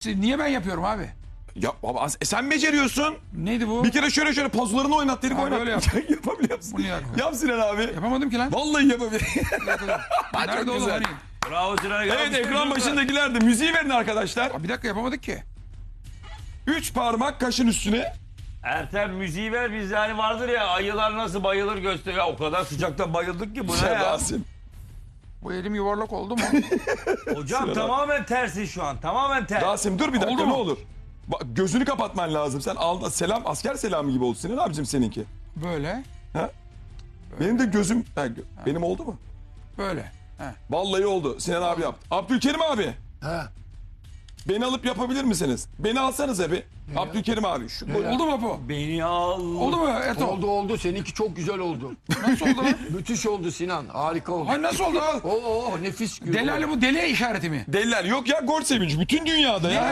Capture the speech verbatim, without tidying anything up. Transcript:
Niye ben yapıyorum abi? Ya baba e sen beceriyorsun. Neydi bu? Bir kere şöyle şöyle pozlarını oynat dedik Ha, oynat. böyle yap. Yapabiliyor musun? Bunu yap. Yap Sinan abi. Yapamadım ki lan. Vallahi yapabilir. Nerede Çok oğlum güzel. hani? Bravo Sinan. Evet ekran başındakiler de müziği verin arkadaşlar. Aa, bir dakika yapamadık ki. Üç parmak kaşın üstüne. Ertem müziği ver bizde hani vardır ya ayılar nasıl bayılır göster. Ya o kadar sıcakta bayıldık ki bu ne Sen ya? Rasim. Bu elim yuvarlak oldu mu? Hocam Sinan tamamen tersi şu an. Tamamen ters. Rasim dur bir dakika Oldu ne mu? olur. Bak, gözünü kapatman lazım. Sen al, selam asker selamı gibi oldu Sinan abicim seninki. Böyle. Ha? Benim de gözüm ha, gö- benim oldu mu? Böyle. He. Vallahi oldu. Sinan abi yaptı. Abdülkerim abi. He. Beni alıp yapabilir misiniz? Beni alsanıza bir. Abdülkerim abi. Şu, Oldu mu bu? Beni al. Oldu mu Eto? Oldu oldu. Seninki çok güzel oldu. Nasıl oldu lan? Müthiş oldu Sinan. Harika oldu. Ay nasıl oldu? Oo, oo, nefis. Delali bu deli işareti mi? Deliler yok ya gol sevinci. Bütün dünyada ya.